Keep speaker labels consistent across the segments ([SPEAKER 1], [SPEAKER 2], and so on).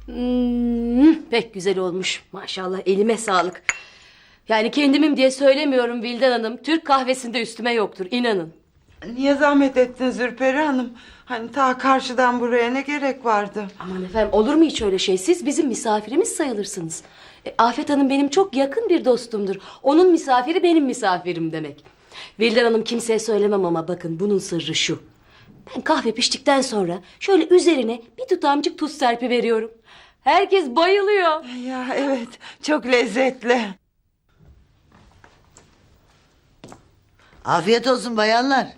[SPEAKER 1] Pek güzel olmuş. Maşallah, elime sağlık. Yani kendimim diye söylemiyorum Vildan Hanım. Türk kahvesinde üstüme yoktur, inanın.
[SPEAKER 2] Niye zahmet ettin Zülperi Hanım? Hani ta karşıdan buraya ne gerek vardı?
[SPEAKER 1] Aman efendim, olur mu hiç öyle şey? Siz bizim misafirimiz sayılırsınız. Afet Hanım benim çok yakın bir dostumdur. Onun misafiri benim misafirim demek. Vildan Hanım, kimseye söylemem ama bakın, bunun sırrı şu. Ben kahve piştikten sonra şöyle üzerine bir tutamcık tuz serpiveriyorum. Herkes bayılıyor.
[SPEAKER 2] Ya evet, çok lezzetli.
[SPEAKER 3] Afiyet olsun bayanlar.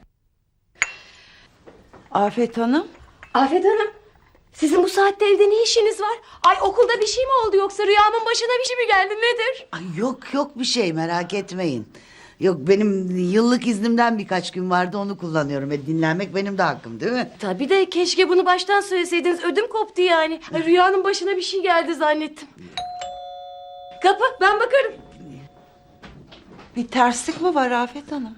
[SPEAKER 2] Afet Hanım.
[SPEAKER 1] Afet Hanım, sizin bu saatte evde ne işiniz var? Ay, okulda bir şey mi oldu, yoksa rüyamın başına bir şey mi geldi, nedir?
[SPEAKER 3] Ay yok bir şey, merak etmeyin. Yok, benim yıllık iznimden birkaç gün vardı, onu kullanıyorum. Dinlenmek benim de hakkım, değil mi?
[SPEAKER 1] Tabii de keşke bunu baştan söyleseydiniz, ödüm koptu yani. Ay, rüyanın başına bir şey geldi zannettim. Kapı, ben bakarım.
[SPEAKER 2] Bir terslik mi var Afet Hanım?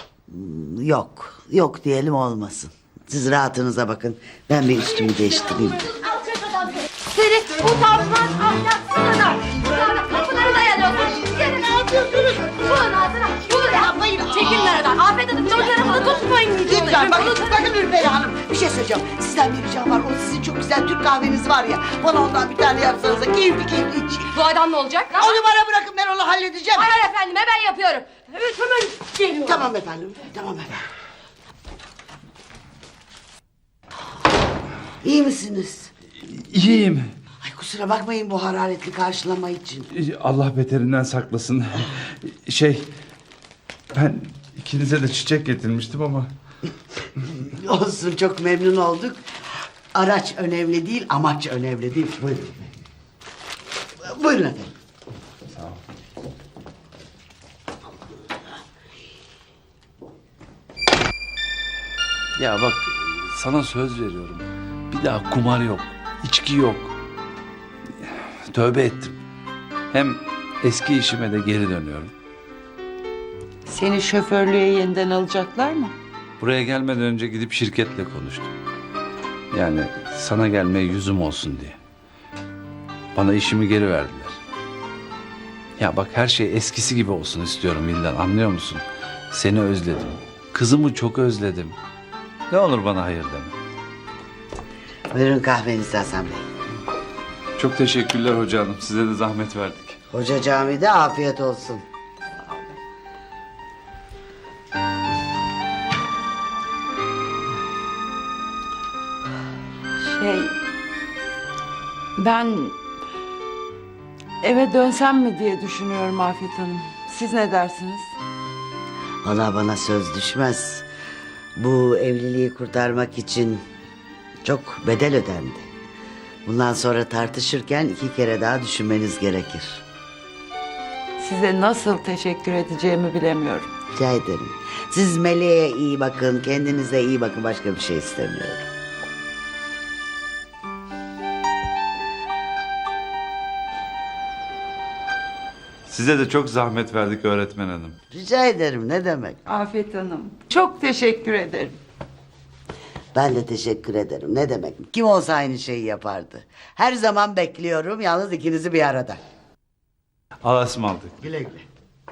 [SPEAKER 3] Yok diyelim, olmasın. Siz rahatınıza bakın. Ben bir üstümü değiştireyim.
[SPEAKER 1] Seni utanmaz, ahlaksız adam. Utanmaz, kapıları dayanıyorsun. Yine ne yapıyorsunuz? Şunun ağzına, şunu yapmayın. Çekilin aradan. Afet Hanım, çocukları bunu tutmayın.
[SPEAKER 3] Lütfen bakın Ürperi Hanım. Bir şey söyleyeceğim. Sizden bir ricam var. O sizin çok güzel Türk kahveniz var ya. Bana ondan bir tane yapsanıza. Keyifli içeyim.
[SPEAKER 1] Bu adam ne olacak?
[SPEAKER 3] Onu bana bırakın, ben onu halledeceğim.
[SPEAKER 1] Hayır efendim, ben yapıyorum. Evet, hemen geliyorum.
[SPEAKER 3] Tamam efendim. İyi misiniz?
[SPEAKER 4] İyiyim.
[SPEAKER 3] Ay kusura bakmayın bu hararetli karşılama için.
[SPEAKER 4] Allah beterinden saklasın. Ben ikinize de çiçek getirmiştim ama...
[SPEAKER 3] Olsun, çok memnun olduk. Araç önemli değil, amaç önemli değil. Buyurun. Buyurun efendim.
[SPEAKER 4] Sağ ol. Ya bak, sana söz veriyorum. Bir daha kumar yok, içki yok. Tövbe ettim. Hem eski işime de geri dönüyorum.
[SPEAKER 2] Seni şoförlüğe yeniden alacaklar mı?
[SPEAKER 4] Buraya gelmeden önce gidip şirketle konuştum. Yani sana gelmeye yüzüm olsun diye. Bana işimi geri verdiler. Ya bak, her şey eskisi gibi olsun istiyorum Vildan, anlıyor musun? Seni özledim. Kızımı çok özledim. Ne olur bana hayır deme.
[SPEAKER 3] Buyurun kahvenizi Hasan Bey.
[SPEAKER 4] Çok teşekkürler hoca hanım. Size de zahmet verdik.
[SPEAKER 3] Hoca camide, afiyet olsun.
[SPEAKER 2] Ben eve dönsem mi diye düşünüyorum Afet Hanım. Siz ne dersiniz?
[SPEAKER 3] Valla bana söz düşmez. Bu evliliği kurtarmak için çok bedel ödendi. Bundan sonra tartışırken 2 kere daha düşünmeniz gerekir.
[SPEAKER 2] Size nasıl teşekkür edeceğimi bilemiyorum.
[SPEAKER 3] Rica ederim. Siz Meleğe iyi bakın, kendinize iyi bakın. Başka bir şey istemiyorum.
[SPEAKER 4] Size de çok zahmet verdik öğretmen hanım.
[SPEAKER 3] Rica ederim, ne demek?
[SPEAKER 2] Afet Hanım, çok teşekkür ederim.
[SPEAKER 3] Ben de teşekkür ederim. Ne demek? Kim olsa aynı şeyi yapardı. Her zaman bekliyorum, yalnız ikinizi bir arada.
[SPEAKER 4] Allah'a ısmarladık.
[SPEAKER 3] Güle güle.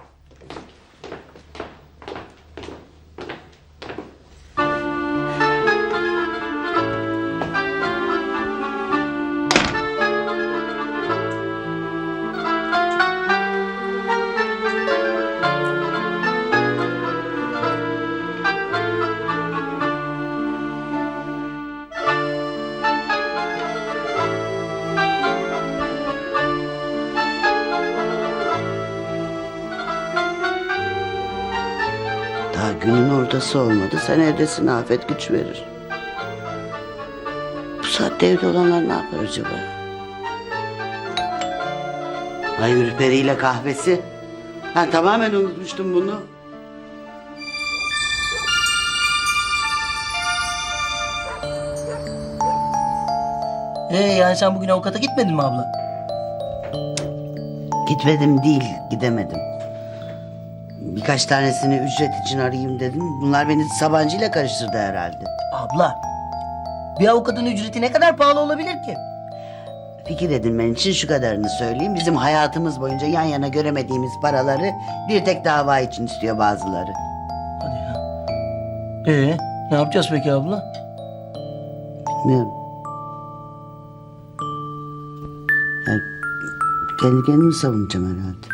[SPEAKER 3] Daha günün ortası olmadı. Sen evdesin, afet güç verir. Bu saatte evde olanlar ne yapar acaba? Ay Ürperi ile kahvesi. Ben tamamen unutmuştum bunu.
[SPEAKER 5] Yani sen bugün avukata gitmedin mi abla?
[SPEAKER 3] Gitmedim değil, gidemedim. Birkaç tanesini ücret için arayayım dedim. Bunlar beni Sabancı ile karıştırdı herhalde.
[SPEAKER 5] Abla, bir avukatın ücreti ne kadar pahalı olabilir ki?
[SPEAKER 3] fikir edinmen için şu kadarını söyleyeyim. Bizim hayatımız boyunca yan yana göremediğimiz paraları bir tek dava için istiyor bazıları.
[SPEAKER 5] Hadi ya. Ne yapacağız peki abla?
[SPEAKER 3] Bilmiyorum. Yani kendi kendimi savunacağım herhalde.